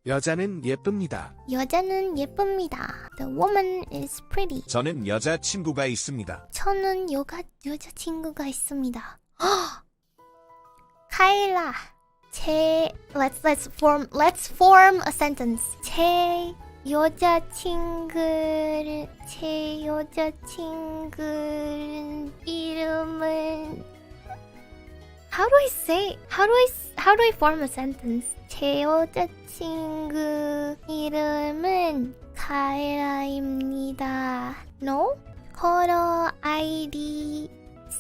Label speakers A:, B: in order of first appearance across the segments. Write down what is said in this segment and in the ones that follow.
A: 여자는 예쁩니다.
B: 여자는 예쁩니다. The woman is pretty.
A: 저는 여자친구가 있습니다.
B: 저는 여자친구가 있습니다. 카일라, let's form a sentence. 제 여자친구 이름은 how do I form a sentence? 제 여자친구 이름은 카일라입니다. No? 허러 아이디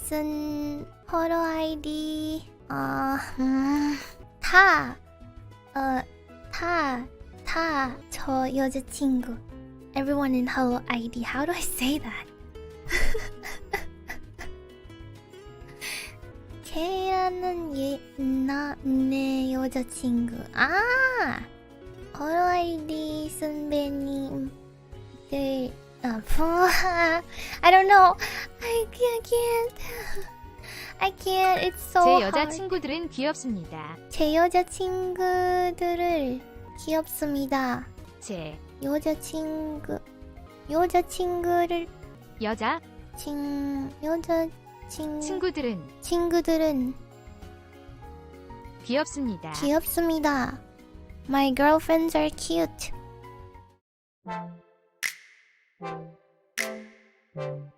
B: 저 여자친구. Everyone in Hello ID. How do I say that? 걔라는 내 여자친구. Hello ID 선배님들. I don't know. I can't. It's so
C: 제
B: hard.
C: 여자친구들은 귀엽습니다.
B: 제 여자친구들을 귀엽습니다.
C: 제
B: 여자친구를 친구들은
C: 귀엽습니다.
B: 귀엽습니다. My girlfriends are cute.